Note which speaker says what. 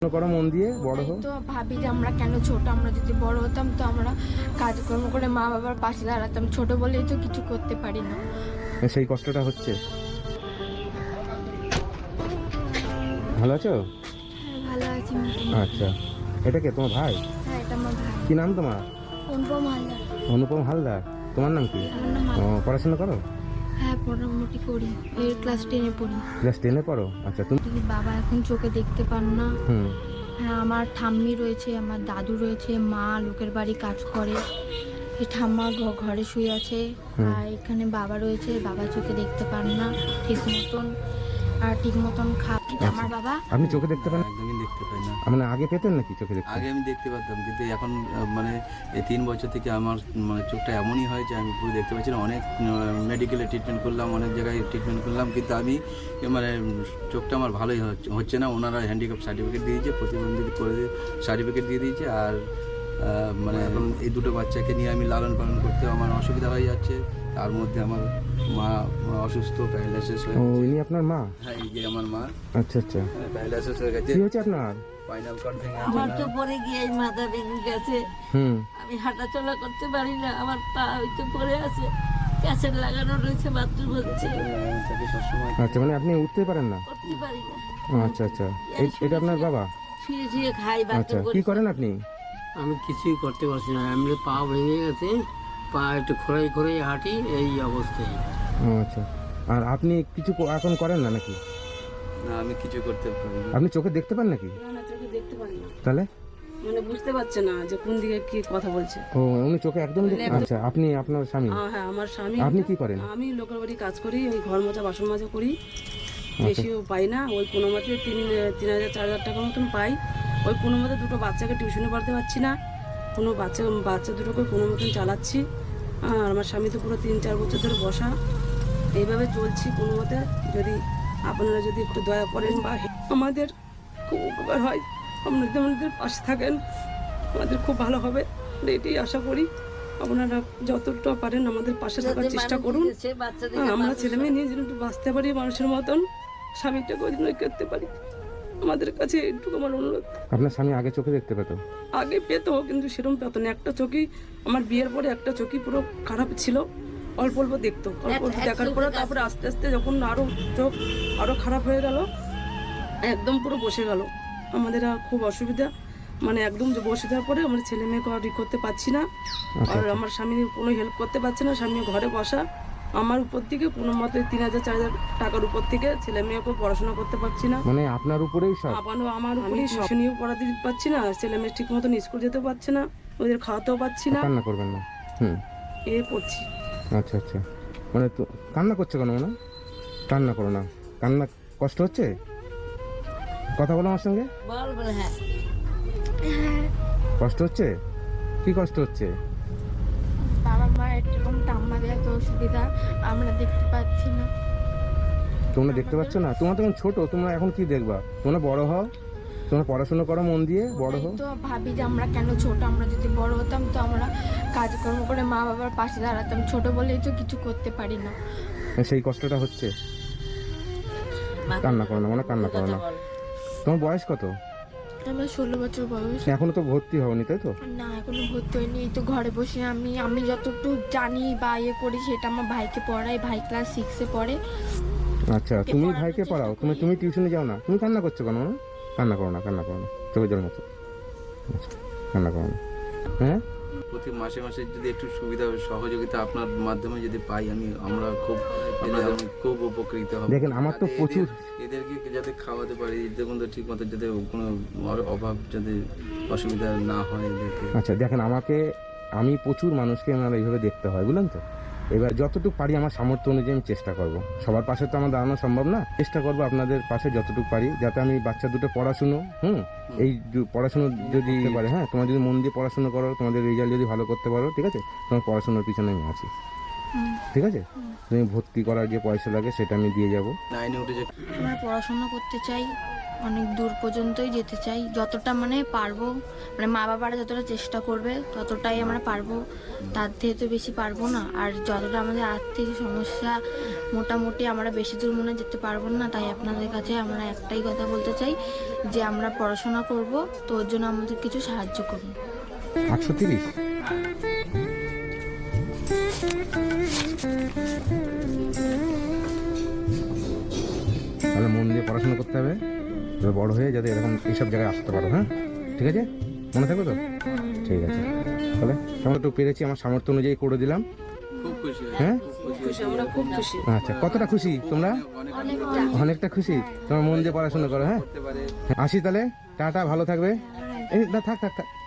Speaker 1: করো মন দিয়ে বড় হো।
Speaker 2: তো ভাবি যে আমরা কেন ছোট, আমরা যদি বড় হতাম তো আমরা কাজকর্ম করে মা বাবার পাশে দাঁড়াতাম, ছোট বলেই তো কিছু করতে পারি না।
Speaker 1: সেই কষ্টটা হচ্ছে। ভালো আছো?
Speaker 2: হ্যাঁ ভালো আছি।
Speaker 1: আচ্ছা, এটা কে তোমার ভাই?
Speaker 2: হ্যাঁ এটা আমার ভাই।
Speaker 1: কি নাম তোমার?
Speaker 2: অনুপম হালদার।
Speaker 1: অনুপম হালদার। তোমার নাম কি?
Speaker 2: আমার নাম
Speaker 1: ও, পড়াশোনা করো?
Speaker 2: হ্যাঁ মোটামুটি করি, এই ক্লাস 10-এ পড়ি।
Speaker 1: ক্লাস 10-এ পড়ো? আচ্ছা, তুমি?
Speaker 2: বাবা এখন চোখে দেখতে পান না।
Speaker 1: হুম।
Speaker 2: হ্যাঁ আমার ঠাম্মি রয়েছে, আমার দাদু রয়েছে, মা লোকের বাড়ি কাজ করে, এই ঠাম্মা ঘরে শুয়ে আছে। আর এখানে বাবা রয়েছে, বাবা চোখে দেখতে পান না ঠিক মতন, আর ঠিক মতন আমার বাবা।
Speaker 1: আপনি চোখে দেখতে পান?
Speaker 3: একদমই দেখতে পাই না।
Speaker 1: মানে আগে পেতেন নাকি চোখে দেখতে?
Speaker 3: আগে আমি দেখতে পারতাম, কিন্তু এখন মানে এই 3 বছর থেকে আমার মানে চোখটা এমনই হয় যে আমি পুরো দেখতে পাচ্ছি না। অনেক মেডিকেলে ট্রিটমেন্ট করলাম, অনেক জায়গায় ট্রিটমেন্ট করলাম, কিন্তু আমি মানে চোখটা আমার ভালোই হচ্ছে না। ওনারা হ্যান্ডিক্যাপ সার্টিফিকেট দিয়ে দিয়েছে, প্রতিবন্ধী করে সার্টিফিকেট দিয়ে দিয়েছে। আর মানে এখন এই দুটো বাচ্চাকে নিয়ে আমি লালন পালন করতে আমার অসুবিধা হয়ে যাচ্ছে। তার মধ্যে আমার মা অসুস্থ, প্যারালাইসিস হয়ে
Speaker 1: ও,
Speaker 3: গেছে।
Speaker 1: ইনি আপনার মা?
Speaker 3: হ্যাঁ, এই যে আমার মা।
Speaker 1: আচ্ছা আচ্ছা,
Speaker 3: প্যারালাইসিস হয়ে গেছে।
Speaker 1: কি হয়েছে আপনার?
Speaker 3: স্পাইনাল কর্ড ভেঙে
Speaker 4: আমার
Speaker 3: গেছে।
Speaker 4: তো পরে গিয়ে মাথা ভেঙে গেছে।
Speaker 1: হুম।
Speaker 4: আমি হাঁটাচলা করতে পারি না, আমার পা হয়তো পড়ে আছে, ক্যাসেট লাগানো রয়েছে, বাথরুম হচ্ছে,
Speaker 3: তাকে সবসময়
Speaker 1: আচ্ছা, মানে আপনি উঠতে পারেন না?
Speaker 4: করতে পারি না।
Speaker 1: আচ্ছা আচ্ছা, এটা আপনার বাবা?
Speaker 4: শুয়ে শুয়ে খাই,
Speaker 1: আচ্ছা,
Speaker 4: বাথরুম
Speaker 1: কি
Speaker 4: করি।
Speaker 1: করেন আপনি?
Speaker 5: আমি কিছুই করতে পারছি না, এমনি পা ভেঙে গেছে, পা একটু খোঁড়াই খোঁড়াই হাঁটি, এই অবস্থায়।
Speaker 1: আচ্ছা, আর আপনি কিছু এখন করেন না নাকি?
Speaker 3: না, আমি কিছু করতে পারি না।
Speaker 1: আপনি চোখে দেখতে পান নাকি?
Speaker 6: না না, চোখে দেখতে পারি না,
Speaker 1: তাহলে
Speaker 6: মানে বুঝতে পারছে না যে কোন দিকে কি কথা বলছে।
Speaker 1: ও, উনি চোখে একদম আচ্ছা, আপনি আপনার স্বামী?
Speaker 6: হ্যাঁ আমার স্বামী।
Speaker 1: আপনি কি করেন?
Speaker 6: আমি লোকের বাড়ি কাজ করি, ওই ঘর মোছা বাসন মাজা করি, বেশিও পাই না, ওই কোনো মতে 3,000-4,000 টাকা মতন পাই। ওই কোনো মতে দুটো বাচ্চাকে টিউশনে পড়তে পারছি না, কোনো বাচ্চা দুটোকে কোনো মতন চালাচ্ছি। আর আমার স্বামী তো পুরো 3-4 বছর ধরে বসা, এইভাবে চলছি কোনো মতে। যদি আপনারা যদি একটু দয়া করেন বা আমাদের খুব উপকার হয়, আপনারা যদি আমাদের পাশে থাকেন আমাদের খুব ভালো হবে, এটাই আশা করি। আপনারা যতটা পারেন আমাদের পাশে থাকার
Speaker 4: যাতে
Speaker 6: চেষ্টা
Speaker 4: মানুষ
Speaker 6: করুন।
Speaker 4: এসে বাচ্চাদের
Speaker 6: আমরা ছেলে মেয়ে নিয়ে যেন একটু বাঁচতে পারি মানুষের মতন, স্বামীটাকে ওই জন্য করতে পারি। আমাদের কাছে একটু আমার অনুরোধ।
Speaker 1: আপনার স্বামী আগে চোখে দেখতে পেত?
Speaker 6: আগে পেতো, কিন্তু সেরকম পেতো না। একটা চোখই, আমার বিয়ের পরে একটা চোখই পুরো খারাপ ছিল, অল্প অল্প দেখতো। অল্প অল্প দেখার পরে তারপরে আস্তে আস্তে যখন আরো চোখ আরো খারাপ হয়ে গেল, একদম পুরো বসে গেল। আমাদের আর খুব অসুবিধা, মানে একদম যে বসে যাওয়ার পরে আমার ছেলে মেয়েকে আর করতে পারছি না, আর আমার স্বামী কোনো হেল্প করতে পারছে না। স্বামী ঘরে বসা, আমার উপর থেকে কোনো মতে 3,000-4,000 টাকার উপর থেকে ছেলে মেয়েকে পড়াশোনা করতে পারছি না।
Speaker 1: মানে আপনার উপরেই সব?
Speaker 6: আমার উপরেই টিউশনিও পড়াতে পারছি না, ছেলে মেয়ে ঠিক মতন স্কুল যেতে পারছে না, ওদের খাওয়াতেও পারছি না,
Speaker 1: কান্না করবেন না। হুম,
Speaker 6: এ পড়ছি।
Speaker 1: আচ্ছা আচ্ছা, মানে তো কান্না করছো কেন? না, কান্না করো না, কান্না কষ্ট হচ্ছে? কথা বলো আমার সঙ্গে।
Speaker 4: বল বলে হ্যাঁ
Speaker 1: কষ্ট হচ্ছে? কি কষ্ট হচ্ছে?
Speaker 2: বাবা মায়ের এরকম ঠাম্মাদের এত অসুবিধা, আমরা দেখতে পাচ্ছি না।
Speaker 1: তোমরা দেখতে পাচ্ছ না? তোমরা তখন ছোট, তোমরা এখন কি দেখবা? তোমরা বড় হও, তোমরা পড়াশোনা করো মন দিয়ে, বড় হও।
Speaker 2: তো ভাবি যে আমরা কেন ছোট, আমরা যদি বড় হতাম তো আমরা কাজকর্ম করে মা বাবার পাশে দাঁড়াতাম, ছোট বলেই তো কিছু করতে পারি না।
Speaker 1: সেই কষ্টটা হচ্ছে। কান্না করো না, মানে কান্না করো না। তোমার বয়স কত?
Speaker 2: আমার 16 বছর বয়স।
Speaker 1: এখনো তো ভর্তি হওনি, তাই তো?
Speaker 2: না এখনো ভর্তি হয়নি, এই তো ঘরে বসে আমি যতটুকু জানি বা ইয়ে করি সেটা আমার ভাইকে পড়াই। ভাই ক্লাস 6-এ পড়ে।
Speaker 1: আচ্ছা, তুমি ভাইকে পড়াও, তুমি টিউশনে যাও না? তুমি কান্না করছো কেন? না, কান্না করো না, কান্না করো না, চোখে জল মতো। আচ্ছা, কান্না করো না। হ্যাঁ,
Speaker 3: প্রতি মাসে মাসে যদি একটু সুবিধা সহযোগিতা আপনার মাধ্যমে যদি পাই, আমরা খুব খুব উপকৃত হব।
Speaker 1: দেখেন আমার তো প্রচুর,
Speaker 3: এদেরকে যাতে খাওয়াতে পারি, দেখুন তো ঠিক মতো যাতে কোনো অভাব যাতে অসুবিধা না হয় এদেরকে।
Speaker 1: আচ্ছা দেখেন আমি প্রচুর মানুষকে আমার এইভাবে দেখতে হয়, বুঝলেন তো? এবার যতটুকু পারি আমার সামর্থ্য অনুযায়ী আমি চেষ্টা করব। সবার পাশে তো আমার দাঁড়ানো সম্ভব না, চেষ্টা করব আপনাদের পাশে যতটুকু পারি, যাতে আমি বাচ্চা দুটো পড়াশুনো, এই পড়াশুনো যদি পারে, হ্যাঁ, তোমার যদি মন দিয়ে পড়াশুনো করো, তোমাদের রেজাল্ট যদি ভালো করতে পারো, ঠিক আছে, তোমার পড়াশোনার পিছনে আমি আছি, ঠিক আছে? তুমি ভর্তি করার যে পয়সা লাগে সেটা আমি দিয়ে যাব।
Speaker 3: 9-এ উঠে যে
Speaker 2: আমরা পড়াশোনা করতে চাই, অনেক দূর পর্যন্তই যেতে চাই, যতটা মানে পারবো, মানে মা বাবারা যতটা চেষ্টা করবে ততটাই আমরা পারবো, তার থেকে তো বেশি পারবো না। আর যতটা আমাদের আর্থিক সমস্যা, মোটামুটি আমরা বেশি দূর মনে যেতে পারবো না। তাই আপনাদের কাছে আমরা একটাই কথা বলতে চাই যে আমরা পড়াশোনা করব, তো ওর জন্য আমাদের কিছু সাহায্য করুন।
Speaker 1: 830? তাহলে মন দিয়ে পড়াশোনা করতে হবে, তবে বড় হয়ে যাতে এরকম এইসব জায়গায় আসতে পারো। হ্যাঁ, ঠিক আছে, মনে থাকবে তো? ঠিক আছে, তাহলে আমরা একটু পেরেছি, আমার সামর্থ্য অনুযায়ী করে দিলাম।
Speaker 3: খুব খুশি
Speaker 1: হ্যাঁ,
Speaker 6: খুশি, আমরা খুব খুশি।
Speaker 1: আচ্ছা, কতটা খুশি তোমরা? অনেকটা খুশি। তোমার মন দিয়ে পড়াশোনা করো। হ্যাঁ,
Speaker 3: করতে পারে।
Speaker 1: আসি তাহলে, টাটা, ভালো থাকবে। এই না, থাক থাক থাক।